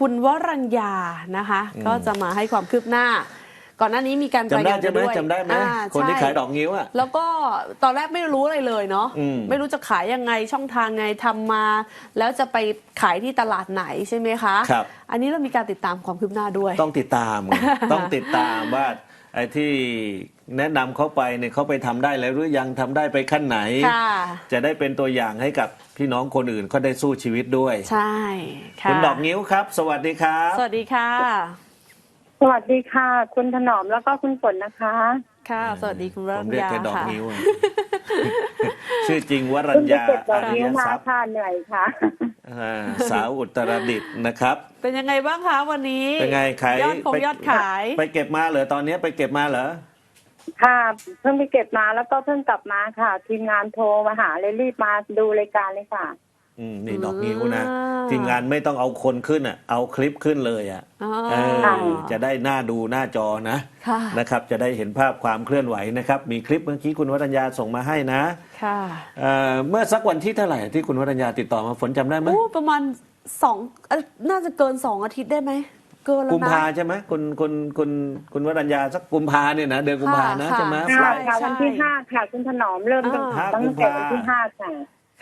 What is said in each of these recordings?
คุณวรัญญานะคะก็จะมาให้ความคืบหน้าก่อนหน้านี้มีการรายงานไปด้วยจำได้ไหมคนที่ขายดอกงิ้วอ่ะแล้วก็ตอนแรกไม่รู้อะไรเลยเนาะไม่รู้จะขายยังไงช่องทางไงทำมา แล้วจะไปขายที่ตลาดไหนใช่ไหมคะครับอันนี้เรามีการติดตามความคืบหน้าด้วยต้องติดตาม ต้องติดตามว่าไอ้ที่แนะนำเขาไปเนี่ยเขาไปทำได้แล้วหรือยังทำได้ไปขั้นไหนจะได้เป็นตัวอย่างให้กับพี่น้องคนอื่นเขาได้สู้ชีวิตด้วยใช่ค่ะคุณดอกงิ้วครับสวัสดีครับสวัสดีค่ะสวัสดีค่ะคุณถนอมแล้วก็คุณฝนนะคะค่ะสวัสดีคุณวรัญญาค่ะผมเรียกแค่ดอกงิ้ว ชื่อจริงวรัญญาอริยทรัพย์ค่ะเหนื่อยค่ะสาวอุตรดิตถ์นะครับเป็นยังไงบ้างคะวันนี้เป็นไงขายยอดขายไปเก็บมาเหรอตอนนี้ไปเก็บมาเหรอค่ะเพิ่งไปเก็บมาแล้วก็เพิ่งกลับมาค่ะทีมงานโทรมาหาเลยรีบมาดูรายการเลยค่ะนี่ดอกงิ้วนะทีมงานไม่ต้องเอาคนขึ้นอ่ะเอาคลิปขึ้นเลยอ่ะจะได้หน้าดูหน้าจอนะครับจะได้เห็นภาพความเคลื่อนไหวนะครับมีคลิปเมื่อกี้คุณวรัญญาส่งมาให้นะค่ะเมื่อสักวันที่เท่าไหร่ที่คุณวรัญญาติดต่อมาฝนจำได้ไหมประมาณน่าจะเกิน2 อาทิตย์ได้ไหมเกินแล้วนะกุมภาใช่ไหมคุณวรัญญาสักกุมภาเนี่ยนะเดือนกุมภานะใช่ไหมค่ะวันที่5ค่ะคุณถนอมเริ่มตั้งแต่วันที่5ค่ะ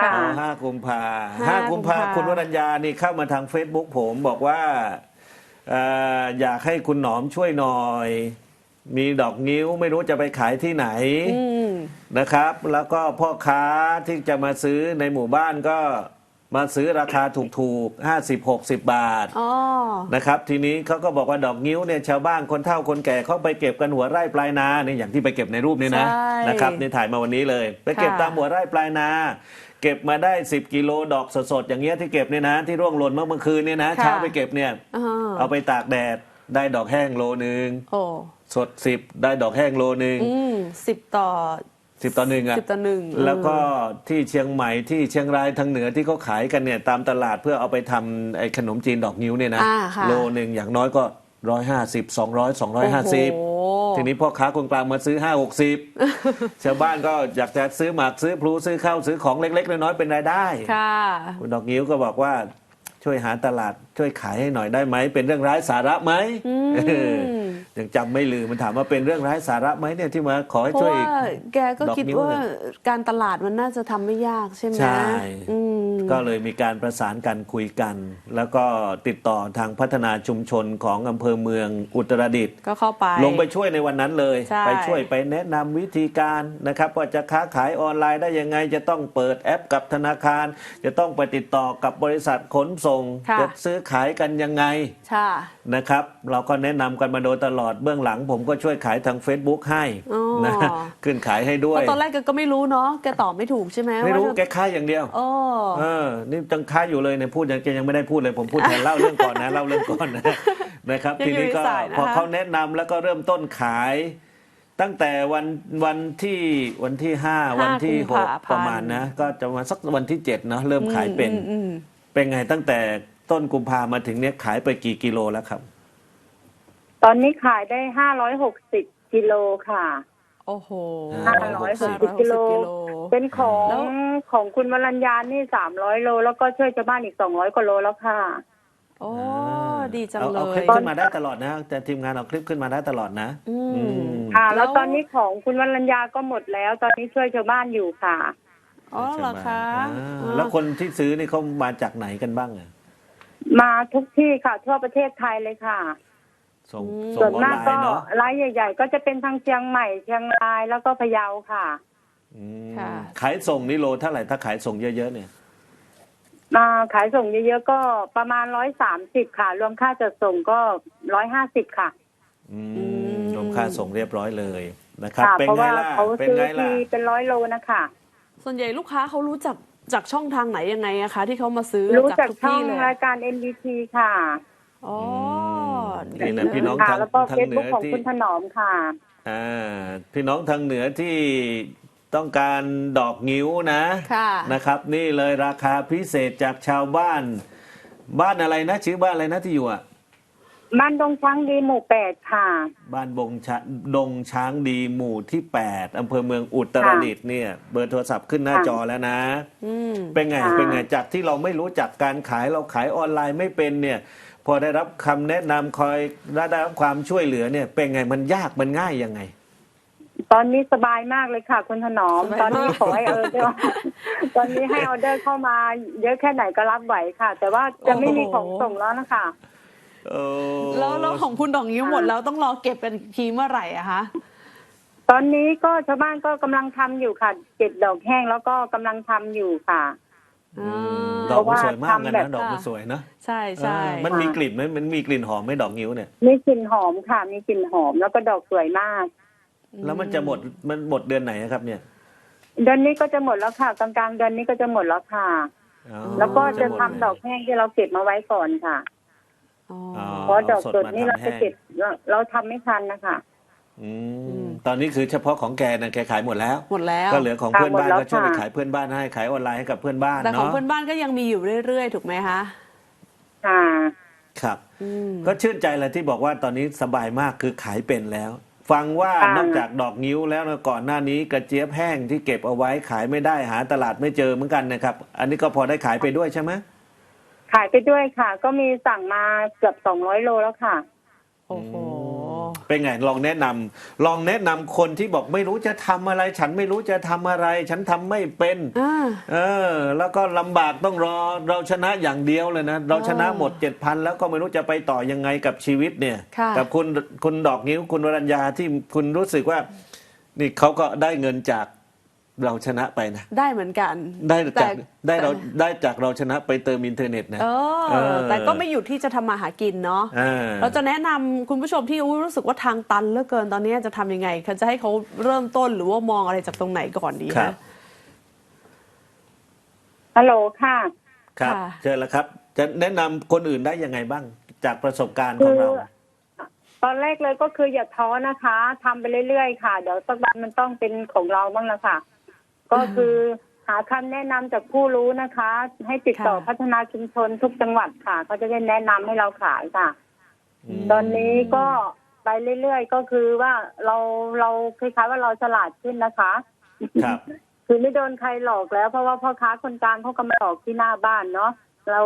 5 กุมภาคุณวรัญญานี่เข้ามาทาง Facebook ผมบอกว่าอยากให้คุณหนอมช่วยหน่อยมีดอกงิ้วไม่รู้จะไปขายที่ไหนนะครับแล้วก็พ่อค้าที่จะมาซื้อในหมู่บ้านก็มาซื้อราคาถูกๆ50-60 บาทนะครับทีนี้เขาก็บอกว่าดอกงิ้วเนี่ยชาวบ้านคนเฒ่าคนแก่เขาไปเก็บกันหัวไร่ปลายนาเนี่ยอย่างที่ไปเก็บในรูปนี้นะครับนี่ถ่ายมาวันนี้เลยไปเก็บตามหัวไร่ปลายนาเก็บมาได้10 กิโลดอกสดๆอย่างเงี้ยที่เก็บเนี่ยนะที่ร่วงหล่นเมื่อคืนเนี่ยนะเช้าไปเก็บเนี่ยเอาไปตากแดดได้ดอกแห้งโลนึงสด10ได้ดอกแห้งโลนึง 10 ต่อ 1อ่ะ10 ต่อ 1แล้วก็ที่เชียงใหม่ที่เชียงรายทางเหนือที่เขาขายกันเนี่ยตามตลาดเพื่อเอาไปทำไอ้ขนมจีนดอกงิ้วเนี่ยนะโลนึงอย่างน้อยก็150 200 250ทีนี้พ่อค้าคนกลางมาซื้อ50-60ชาวบ้านก็อยากจะซื้อหมากซื้อพลูซื้อข้าวซื้อของเล็กๆน้อยๆเป็นรายได้คุณดอกงิ้วก็บอกว่าช่วยหาตลาดช่วยขายให้หน่อยได้ไหมเป็นเรื่องไร้สาระไหมยังจำไม่ลืมมันถามว่าเป็นเรื่องไร้สาระไหมเนี่ยที่มาขอให้ช่วยแกก็คิดว่าการตลาดมันน่าจะทำไม่ยากใช่ไหมใช่ก็เลยมีการประสานกันคุยกันแล้วก็ติดต่อทางพัฒนาชุมชนของอำเภอเมืองอุตรดิตถ์ก็เข้าไปลงไปช่วยในวันนั้นเลยไปช่วยไปแนะนำวิธีการนะครับว่าจะค้าขายออนไลน์ได้ยังไงจะต้องเปิดแอปกับธนาคารจะต้องไปติดต่อกับบริษัทขนส่งจะซื้อขายกันยังไงนะครับเราก็แนะนำกันมาโดยตลอดเบื้องหลังผมก็ช่วยขายทาง Facebook ให้นะขึ้นขายให้ด้วยตอนแรกก็ไม่รู้เนาะแกตอบไม่ถูกใช่ไหมไม่รู้แกค้าอย่างเดียวนี่จังค้าอยู่เลยเนี่ยพูดยังแกยังไม่ได้พูดเลยผมพูดแทนเล่าเรื่องก่อนนะเล่าเรื่องก่อนนะครับทีนี้ก็พอเขาแนะนำแล้วก็เริ่มต้นขายตั้งแต่วันที่5วันที่6ประมาณนะก็จะมาสักวันที่7เนาะเริ่มขายเป็นไงตั้งแต่ต้นกุมภามาถึงเนี้ยขายไปกี่กิโลแล้วครับตอนนี้ขายได้560 กิโลค่ะโอ้โห 560 กิโลเป็นของคุณวรัญญานี่300 โลแล้วก็ช่วยชาวบ้านอีก200 กว่าโลแล้วค่ะโอ้ดีจังเลยเอาคลิปขึ้นมาได้ตลอดนะแต่ทีมงานเอาคลิปขึ้นมาได้ตลอดนะค่ะแล้วตอนนี้ของคุณวรัญญาก็หมดแล้วตอนนี้ช่วยชาวบ้านอยู่ค่ะอ๋อเหรอคะแล้วคนที่ซื้อนี่เขามาจากไหนกันบ้างอ่ะมาทุกที่ค่ะทั่วประเทศไทยเลยค่ะส่วนมากก็รายใหญ่ๆก็จะเป็นทางเชียงใหม่เชียงรายแล้วก็พะเยาค่ะขายส่งนี่โลเท่าไหร่ถ้าขายส่งเยอะๆเนี่ยขายส่งเยอะๆก็ประมาณ130ค่ะรวมค่าจัดส่งก็150ค่ะรวมค่าส่งเรียบร้อยเลยนะครับเป็นไงล่ะเป็นไงล่ะเป็น100 โลนะคะส่วนใหญ่ลูกค้าเขารู้จักจากช่องทางไหนยังไงอะคะที่เขามาซื้อรู้จากช่องรายการ NBT ค่ะอ๋อนี่นะพี่น้องทางเหนือของคุณถนอมค่ะพี่น้องทางเหนือที่ต้องการดอกงิ้วนะครับนี่เลยราคาพิเศษจากชาวบ้านอะไรนะชื่อบ้านอะไรนะที่อยู่อ่ะบ้านดงช้างดีหมู่8ค่ะบ้านดงช้างดีหมู่ที่8อำเภอเมืองอุตรดิตถ์เนี่ยเบอร์โทรศัพท์ขึ้นหน้าจอแล้วนะเป็นไงจากที่เราไม่รู้จักการขายเราขายออนไลน์ไม่เป็นเนี่ยพอได้รับคำแนะนำคอยได้รับความช่วยเหลือเนี่ยเป็นไงมันยากมันง่ายยังไงตอนนี้สบายมากเลยค่ะ คุณถนอมสบายมากตอนนี้ขอให้ตอนนี้ให้ออเดอร์เข้ามา เยอะแค่ไหนก็รับไหวค่ะ แต่ว่าจะไม่มีของส่งแล้วนะคะแล้วของคุณดอกนิ้วหมดแล้วต้องรอเก็บกันอีกทีเมื่อไหร่อะคะตอนนี้ก็ชาวบ้านก็กำลังทำอยู่ค่ะเก็บดอกแห้งแล้วก็กำลังทำอยู่ค่ะดอกมันสวยมากเลยเพราะว่าทำแบบนะดอกมันสวยนะใช่ใช่มันมีกลิ่นไหมมันมีกลิ่นหอมไหมดอกงิ้วเนี่ยมีกลิ่นหอมค่ะ มีกลิ่นหอมแล้วก็ดอกสวยมากแล้วมันจะหมดเดือนไหนครับเนี่ยเดือนนี้ก็จะหมดแล้วค่ะกลางๆเดือนนี้ก็จะหมดแล้วค่ะอ๋อแล้วก็จะหมทำดอกแห้งที่เราเก็บมาไว้ก่อนค่ะอ๋ออ๋อเพราะดอกสดนี่มเราทำจะแห้งเก็บเราทำไม่ทันนะคะตอนนี้คือเฉพาะของแกนะแกขายหมดแล้วหมดแล้วก็เหลือของเพื่อนบ้านหมดแล้วก็ช่วยไปค่ะขายเพื่อนบ้านให้ขายออนไลน์ให้กับเพื่อนบ้านแต่ของเนาะเพื่อนบ้านก็ยังมีอยู่เรื่อยๆ ถูกไหมคะค่ะครับอืมก็ชื่นใจแหละที่บอกว่าตอนนี้สบายมากคือขายเป็นแล้ว ฟังว่าค่ะนอกจากดอกงิ้วแล้วนะก่อนหน้านี้กระเจี๊ยบแห้งที่เก็บเอาไว้ขายไม่ได้หาตลาดไม่เจอเหมือนกันนะครับ อันนี้ก็พอได้ขายไปด้วยใช่ไหมขายไปด้วยค่ะ ก็มีสั่งมาเกือบ200 โลแล้วค่ะโอ้โหเป็นไงลองแนะนำคนที่บอกไม่รู้จะทำอะไร ฉันไม่รู้จะทำอะไร ฉันทำไม่เป็น แล้วก็ลำบากต้องรอเราชนะอย่างเดียวเลยนะเราชนะหมด 7,000 แล้วก็ไม่รู้จะไปต่อยังไงกับชีวิตเนี่ยค่ะกับคุณดอกงิ้วคุณวรัญญาที่คุณรู้สึกว่า นี่เขาก็ได้เงินจากเราชนะไปนะได้เหมือนกันได้จากแต่ได้จากเราชนะไปเติมอินเทอร์เน็ตนะแต่ก็ไม่หยุดที่จะทำมาหากินเนาะ เราจะแนะนำคุณผู้ชมที่รู้สึกว่าทางตันเหลือเกินตอนนี้จะทำยังไงจะให้เขาเริ่มต้นหรือว่ามองอะไรจากตรงไหนก่อนดีครัคะบฮัลโหลค่ะครับค่ะเชิญแล้วครับ จะแนะนำคนอื่นได้ยังไงบ้างจากประสบการณ์ขคืองอเราตอนแรกเลยก็คืออย่าท้อนะคะทำไปเรื่อยๆค่ะ เดี๋ยวสักวันมันต้องเป็นของเราบ้างละค่ะ ก็คือหาคำแนะนำจากผู้รู้นะคะ ให้ติดต่อค่ะพัฒนาชุมชนทุกจังหวัดค่ะเขาจะได้แนะนำให้เราขายค่ะมตอนนี้ก็ไปเรื่อยๆก็คือว่าเราคล้ายๆว่าเราฉลาดขึ้นนะคะครับคือไม่โดนใครหลอกแล้ว เพราะว่าพ่อค้าคนกลางเขาก็มาหลอกที่หน้าบ้านเนาะเรา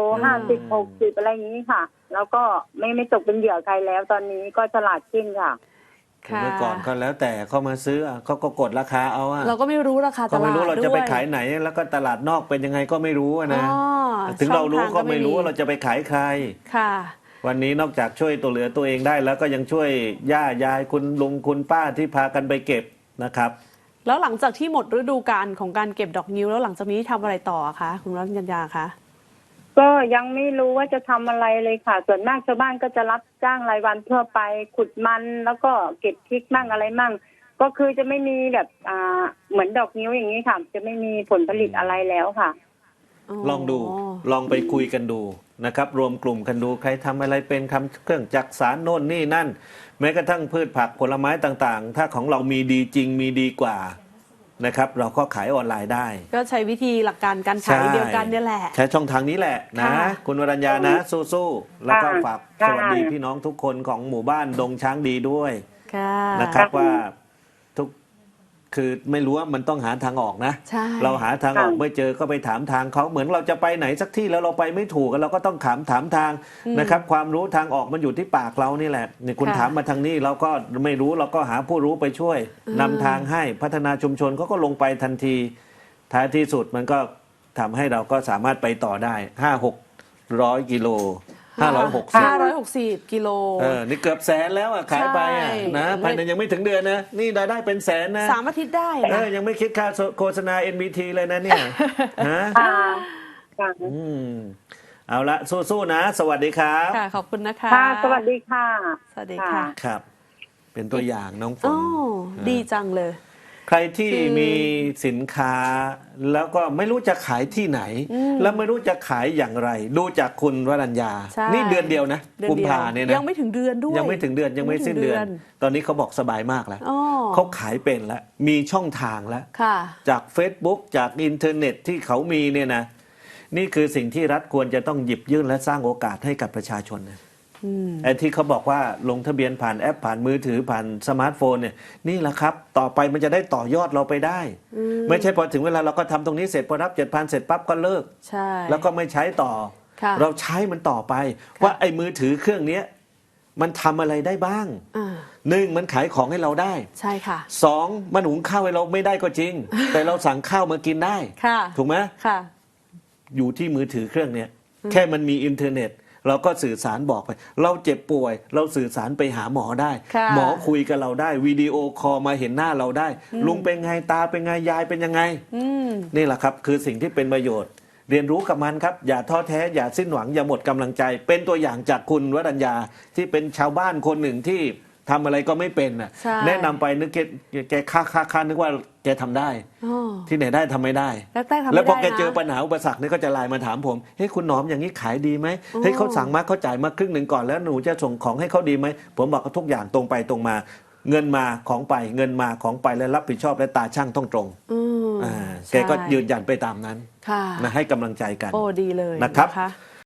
50-60อะไรอย่างนี้ค่ะ แล้วก็ไม่ตกเป็นเหยื่อใครแล้ว ตอนนี้ก็ฉลาดขึ้นค่ะค่ะเมื่อก่อนก็แล้วแต่เขามาซื้อเขาก็กดราคาเอาอะเราก็ไม่รู้ราคาตก็ลาดไม่รู้เราจะไปด้วยขายไหน แล้วก็ตลาดนอกเป็นยังไงก็ไม่รู้อะนะอ๋อถึงเรารู้ช่องทางก็ไม่รู้ว่าเราจะไปขายใครค่ะวันนี้นอกจากช่วยตัวเหลือตัวเองได้ แล้วก็ยังช่วยย่ายายคุณลุงคุณป้าที่พากันไปเก็บนะครับแล้วหลังจากที่หมดฤดูกาลของการเก็บดอกนิ้วแล้วหลังจากนี้ทำอะไรต่อคะคุณรัญญาคะก็ยังไม่รู้ว่าจะทำอะไรเลยค่ะ ส่วนมากชาวบ้านก็จะรับจ้างรายวันทั่วไป ขุดมันแล้วก็เก็บพริกมั่งอะไรมั่ง ก็คือจะไม่มีแบบเหมือนดอกนิ้วอย่างนี้ค่ะ จะไม่มีผลผลิตอะไรแล้วค่ะลองดูลองไปคุยกันดูนะครับ รวมกลุ่มกันดูใครทำอะไรเป็นคำเครื่องจักสารโน่นนี่นั่น แม้กระทั่งพืชผักผลไม้ต่างๆ ถ้าของเรามีดีจริงมีดีกว่านะครับ เราก็ขายออนไลน์ได้ก็ใช้วิธีหลักการการขายเดียวกันเนี่ยแหละใช้ช่องทางนี้แหละนะค่ะคุณวรัญญานะสู้ๆแล้วก็ฝากค่ะสวัสดีพี่น้องทุกคนของหมู่บ้านดงช้างดีด้วยค่ะนะครับว่าทุกคือไม่รู้ว่ามันต้องหาทางออกนะใช่เราหาทางออกไม่เจอก็ไปถามทางเขาเหมือนเราจะไปไหนสักที่แล้วเราไปไม่ถูกเราก็ต้องถามทางนะครับ ความรู้ทางออกมันอยู่ที่ปากเรานี่แหละนี่คุณถามมาทางนี้เราก็ไม่รู้เราก็หาผู้รู้ไปช่วยนำทางให้พัฒนาชุมชนเขาก็ลงไปทันทีท้ายที่สุดมันก็ทำให้เราก็สามารถไปต่อได้500-600 กิโล560 กิโลนี่เกือบแสนแล้วขายไปใช่นะภายในยังไม่ถึงเดือนนะนี่รายได้เป็นแสนนะ 3 อาทิตย์ได้นะยังไม่คิดค่าโฆษณา NBT เลยนะเนี่ยฮะค่ะค่ะเอาละสู้ๆนะ สวัสดีครับค่ะ ขอบคุณนะคะค่ะ สวัสดีค่ะสวัสดีค่ะครับ เป็นตัวอย่างน้องฝนอ๋อดีจังเลยใครที่มีสินค้า แล้วก็ไม่รู้จะขายที่ไหน แล้วไม่รู้จะขายอย่างไร ดูจากคุณวรัญญาใช่นี่เดือนเดียวนะเดือนกุมเดียวภาเนี่ยนะยังไม่ถึงเดือนด้วยยังไม่ถึงเดือนยังไม่สิ้นเดือน ตอนนี้เขาบอกสบายมากแล้วอ๋อเขาขายเป็นแล้วมีช่องทางแล้วค่ะจาก Facebook จากอินเทอร์เน็ตที่เขามีเนี่ยนะนี่คือสิ่งที่รัฐควรจะต้องหยิบยื่นและสร้างโอกาสให้กับประชาชนนะไอ้ที่เขาบอกว่าลงทะเบียนผ่านแอปผ่านมือถือผ่านสมาร์ทโฟนเนี่ยนี่แหละครับ ต่อไปมันจะได้ต่อยอดเราไปได้ ไม่ใช่พอถึงเวลาเราก็ทำตรงนี้เสร็จพอรับ 7,000 เสร็จปั๊บก็เลิกใช่แล้วก็ไม่ใช้ต่อค่ะเราใช้มันต่อไปค่ะว่าไอ้มือถือเครื่องเนี้ยมันทำอะไรได้บ้างอ่าหนึ่งมันขายของให้เราได้ใช่ค่ะสองมันหุงข้าวให้เราไม่ได้ก็จริง แต่เราสั่งข้าวมากินได้ค่ะถูกไหมค่ะอยู่ที่มือถือเครื่องเนี้ยแค่มันมีอินเทอร์เน็ต เราก็สื่อสารบอกไป เราเจ็บป่วย เราสื่อสารไปหาหมอได้ค่ะหมอคุยกับเราได้วิดีโอคอลมาเห็นหน้าเราได้ ลุงเป็นไงตาเป็นไงยายเป็นยังไงอืมนี่แหละครับคือสิ่งที่เป็นประโยชน์ เรียนรู้กับมันครับ อย่าท้อแท้อย่าสิ้นหวังอย่าหมดกำลังใจ เป็นตัวอย่างจากคุณวรัญญาที่เป็นชาวบ้านคนหนึ่งที่ทำอะไรก็ไม่เป็นน่ะใช่แนะนำไปนึกแกค่านึกว่าแกทำได้อ๋อที่ไหนได้ทำไม่ได้แรกๆทำไม่ได้นะแล้วพอแกเจอปัญหาอุปสรรคนี่ก็จะไลน์มาถามผมเฮ้ยคุณหนอมอย่างนี้ขายดีไหมเฮ้ยเขาสั่งมาเขาจ่ายมาครึ่งหนึ่งก่อนแล้วหนูจะส่งของให้เขาดีไหมผมบอกว่าทุกอย่างตรงไปตรงมา เงินมาของไปเงินมาของไปและรับผิดชอบและตาช่างต้องตรงอืมอ่าใช่แกก็ยืนยันไปตามนั้นค่ะนะให้กำลังใจกันโอ้ดีเลยนะครับนะคะ